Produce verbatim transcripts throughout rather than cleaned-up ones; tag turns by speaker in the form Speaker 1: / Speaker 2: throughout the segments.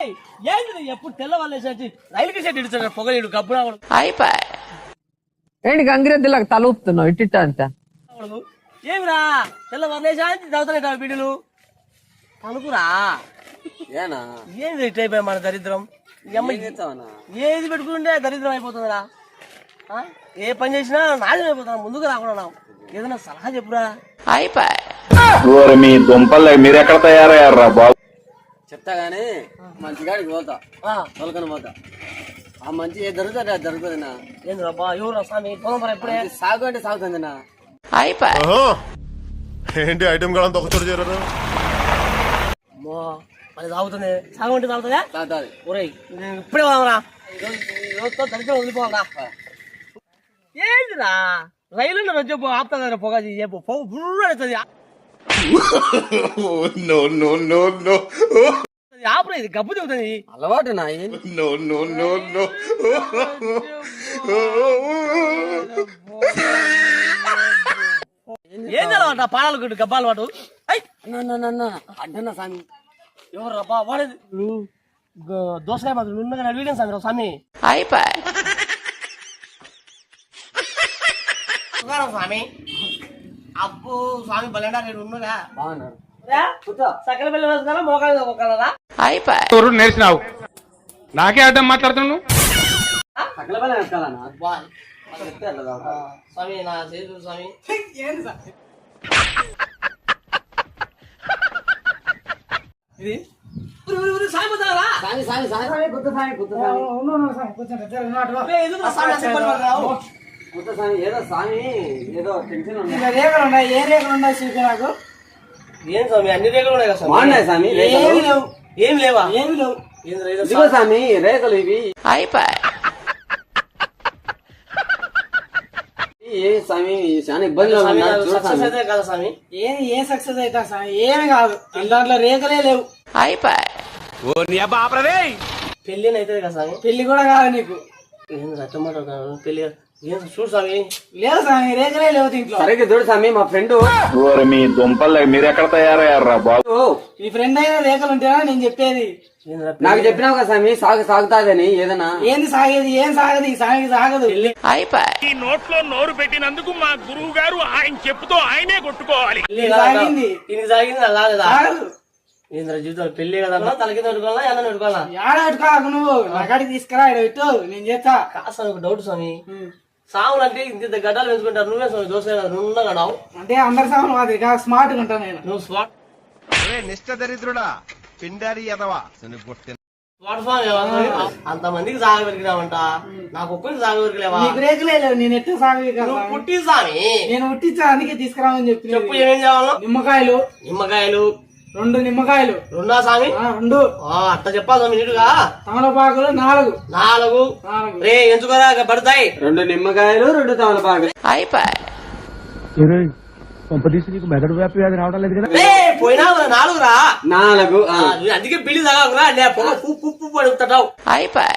Speaker 1: ఏంది ఎప్పుడు తెల్లవాళ్ళేసి రైలుకి సెట్ ఇడుతాడు పొగలేడు గబ్బున
Speaker 2: అయిపోయి ఏంటి గంగిరెద్దులకు తల ఊపుతున్నావు ఇట్టిట్ట అంత
Speaker 1: ఏమిరా తెల్లవాళ్ళేసా చదువుతాయి బిడ్డలు తనుకురా
Speaker 3: ఏనా
Speaker 1: ఏంది ఇట్ అయిపోయా మన దరిద్రం ఏది పెట్టుకుంటే దరిద్రం అయిపోతుందిరా ఏ పని చేసినా నాశనం అయిపోతున్నా ముందుకు రాకుండా ఏదైనా సలహా చెప్పురా
Speaker 4: అయిపోయి మీ దుంపలు మీరు ఎక్కడ తయారయ్యారా బాబు
Speaker 3: చెప్తా గానీ మంచిగాడికి పోతా తొలకని పోతా ఆ మంచి ఏ దొరుకుతుంది అది దొరుకుతుందినా
Speaker 1: ఏంద్రా బా ఎవరు స్వామి పొలం ఎప్పుడే
Speaker 3: సాగు అంటే సాగుతుందినా
Speaker 2: అయిపోయి
Speaker 5: ఏంటి ఐటమ్ కూడా ఒక చోటు చేరారు
Speaker 1: అది తాగుతుంది సాగు అంటే తాగుతుందా
Speaker 3: తాగుతుంది
Speaker 1: ఒరేయ్ ఇప్పుడే పోదామరా రోజుతో దరిద్రం వదిలిపోవాలా ఏంటిరా రైలు రోజు ఆపుతా పొగ పొగ ఫుల్ అవుతుంది ఆపురా ఇది గబ్బు చెబుతుంది
Speaker 3: అలవాటు నా
Speaker 1: ఏం అలవాట పాడాలు కొట్టు గబ్బా అలవాటు
Speaker 3: అడ్డన్నా స్వామి
Speaker 1: ఎవరు రబ్బా వాడేది దోసకాయ మాత్రం ఉన్నగా అడిగాను స్వామి స్వామి
Speaker 2: అయిపోయి
Speaker 1: స్వామి అప్పు స్వామి బలండా రేడు ఉన్నగా
Speaker 3: బాగున్నారు
Speaker 1: సకల పిల్లలు వేసుకున్నా మోకాలు ఒక్కలరా
Speaker 2: అయిపోయి
Speaker 6: నేర్చినావు నాకే అడ్డం మాట్లాడుతున్నావు
Speaker 3: సకల పని వేసుకోవాలన్నా
Speaker 1: స్వామి నా చేదు స్వామి ఇది సామి పోతారా
Speaker 3: సామి సామి సామి గుత్త సామి గుత్త సామి గుత్త సామి ఏదో సామి ఏదో టెన్షన్ ఉంది
Speaker 1: రేఖలు ఉన్నాయి ఏ రేఖలు ఉన్నాయి చూపి నాకు ఏం స్వామి అన్ని రేఖలు ఉన్నాయి కదా
Speaker 3: బాగున్నాయి స్వామి
Speaker 1: ఏమి లేవు ఏమి లేవా ఏమి లేవు
Speaker 3: ఇదిగో స్వామి రేఖలు ఇవి
Speaker 2: అయిపోయి
Speaker 3: ఏ స్వామి చాలా ఇబ్బంది
Speaker 1: కదా స్వామి ఏమి ఏ సక్సెస్ అవుతా స్వామి ఏమి కాదు దాంట్లో రేఖలే లేవు
Speaker 2: అయిపోయి
Speaker 1: పెళ్లి అవుతుంది కదా స్వామి పెళ్లి కూడా కాదు నీకు ఏం రచ్చమాట పెళ్లి ఏం చూడు స్వామి లేదు స్వామి రేఖలే లేవు దీంట్లో
Speaker 3: సరిగ్గా చూడు స్వామి మా ఫ్రెండ్
Speaker 4: మీ దుంపలు మీరు ఎక్కడ తయారయ్యారా బాబు
Speaker 1: మీ ఫ్రెండ్ అయినా రేఖలు ఉంటాయా నేను చెప్పేది
Speaker 3: నాకు చెప్పినావు కదా స్వామి సాగు సాగుతాదని ఏదన్నా
Speaker 1: ఏంది సాగేది ఏం సాగదు ఈ సాగి సాగదు
Speaker 2: అయిపోయి
Speaker 6: ఈ నోట్లో నోరు పెట్టినందుకు మా గురువు గారు ఆయన చెప్పుతో ఆయనే కొట్టుకోవాలి
Speaker 1: సాగింది ఇది సాగింది సాగదు ఏంద్ర జీవితం పెళ్లి కదా తల కింద పెట్టుకోవాలా ఎన్న పెట్టుకోవాలా ఏడ పెట్టుకోకు నువ్వు నాకాడికి తీసుకురా ఇక్కడ పెట్టు నేను చేస్తా కాస్త ఒక డౌట్ స్వామి సాములు అంటే ఇంత గడ్డలు పెంచుకుంటారు నువ్వే స్వామి దోశ నువ్వు నావు అంటే అందరి సాములు మాది స్మార్ట్ గా ఉంటాను నేను నువ్వు స్మార్ట్
Speaker 5: నిష్ట దరిద్రుడా పిండారి ఎదవా
Speaker 1: స్మార్ట్ స్వామి అంత మందికి సాగ పెరిగినావంట నాకు ఒక్కరికి సాగ పెరిగిలేవా నీకు రేకులే లేవు నేను ఎట్లా సాగ పుట్టి స్వామి నేను పుట్టించా అందుకే తీసుకురావని చెప్పి చెప్పు ఏమేం కావాలో నిమ్మకాయలు నిమ్మకాయలు రెండు నిమ్మకాయలు రెండా స్వామి రెండు అట్ట చెప్పాలి స్వామి నీటుగా తమలపాకులు నాలుగు నాలుగు రే ఎంచుకోరా పడతాయి
Speaker 3: రెండు నిమ్మకాయలు రెండు తమలపాకులు
Speaker 2: అయిపోయి
Speaker 6: మెదడు వ్యాపి అది రావడం లేదు కదా
Speaker 1: పోయినా నాలుగురా
Speaker 3: నాలుగు
Speaker 1: అందుకే పిల్లి తాగకురా పుప్పు పడుతావు
Speaker 2: అయిపోయి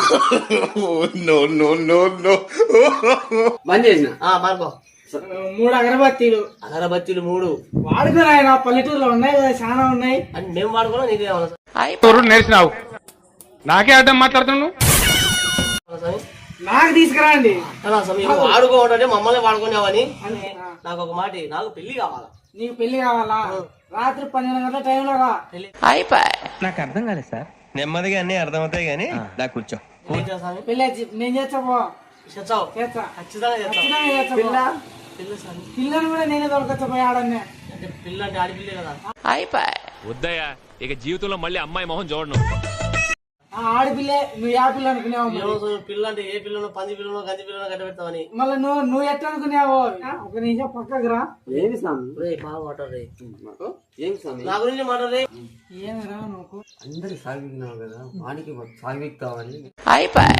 Speaker 3: బంద్ చేసిన
Speaker 1: మార్కో మూడు అగరబత్తీలు అగరబత్తీలు మూడు వాడుకుని ఆయన పల్లెటూరులో ఉన్నాయి కదా చాలా ఉన్నాయి అని మేము వాడుకున్నాం నీకు
Speaker 6: అయిపోయి నేర్చినావు నాకే అడ్డం మాట్లాడుతున్నావు
Speaker 1: నాకు తీసుకురాండి వాడుకోవటంటే మమ్మల్ని వాడుకునేవని నాకు ఒక మాట నాకు పెళ్లి కావాలా నీకు పెళ్లి కావాలా రాత్రి పన్నెండు గంటల టైంలో రా
Speaker 2: అయిపోయి
Speaker 7: నాకు అర్థం కాలేదు సార్ నెమ్మదిగా అన్ని అర్థమవుతాయి గానీ నాకు కూర్చో
Speaker 1: పెళ్లి నేను చేస్తావో చేస్తావు ఖచ్చితంగా పిల్లని కూడా నేనే దొరకచ్చపోయాడన్నే అంటే పిల్ల అంటే ఆడపిల్లే కదా
Speaker 2: అయిపోయి
Speaker 6: వద్దయ్యా ఇక జీవితంలో మళ్ళీ అమ్మాయి మొహం చూడను
Speaker 1: ఆడపిల్లే నువ్వు ఏ పిల్ల అనుకునేవు పిల్ల అంటే ఏ పిల్లను పంది పిల్లను గంజి పిల్లను గడ్డ పెడతావని మళ్ళీ నువ్వు నువ్వు ఎట్లా అనుకునేవు ఒక నిమిషం పక్కకు రా
Speaker 3: ఏమి స్వామి
Speaker 1: బాగా మాట్లాడరే
Speaker 3: ఏమి స్వామి
Speaker 1: నా గురించి మాట్లాడరే ఏమిరా నువ్వు
Speaker 3: అందరికి సాగినావు కదా వానికి సాగిస్తావని
Speaker 2: అయిపోయి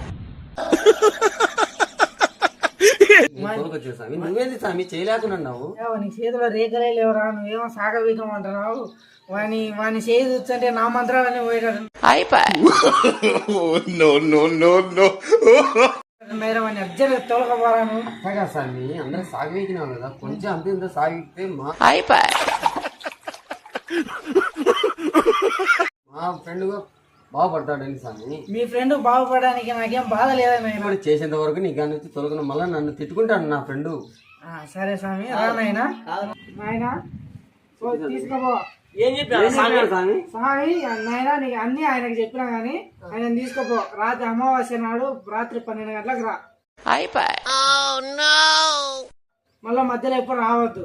Speaker 3: నువ్వేది స్వామి చేయలేకున్నావు
Speaker 1: నీ చేతిలో రేఖలే లేవరా నువ్వేమో సాగవీకమంటున్నావు వాని వాని చేతి వచ్చంటే నా మంత్రాలన్నీ పోయేటాడు
Speaker 2: అయిపోయి
Speaker 1: వాడిని అర్జెంట్ తోలకపోరాను
Speaker 3: స్వామి అందరూ సాగినావు కదా కొంచెం అంత ఇంత సాగితే మా
Speaker 2: అయిపోయి
Speaker 3: మా ఫ్రెండ్ బాగుపడతాడని స్వామి.
Speaker 1: మీ ఫ్రెండ్ బాగుపడడానికి నాకేం బాధ లేదన్నా.
Speaker 3: ఇప్పుడు చేసేంత వరకు నీ కాడ నుంచి తొలగిన మళ్ళీ నన్ను తిట్టుకుంటాడు నా ఫ్రెండ్.
Speaker 1: సరే స్వామి నాయనా నాయనా తీసుకోబో. ఏం చెప్పాడు
Speaker 3: స్వామి?
Speaker 1: స్వామి నాయనా నీకు అన్ని ఆయనకు చెప్పినా గానీ ఆయన తీసుకోపో. రాత్రి అమావాస్య నాడు రాత్రి పన్నెండు గంటలకు రా. మళ్ళా మధ్యలో ఎప్పుడు రావద్దు.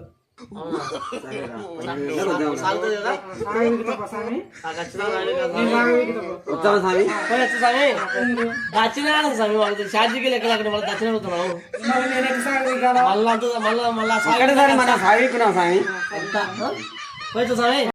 Speaker 1: ఛార్జీకి లెక్కలు అక్కడ మళ్ళీ దక్షిణ అవుతున్నావు. మళ్ళా మళ్ళా మళ్ళా
Speaker 3: సాగిపోయినావు స్వామి.
Speaker 1: స్వామి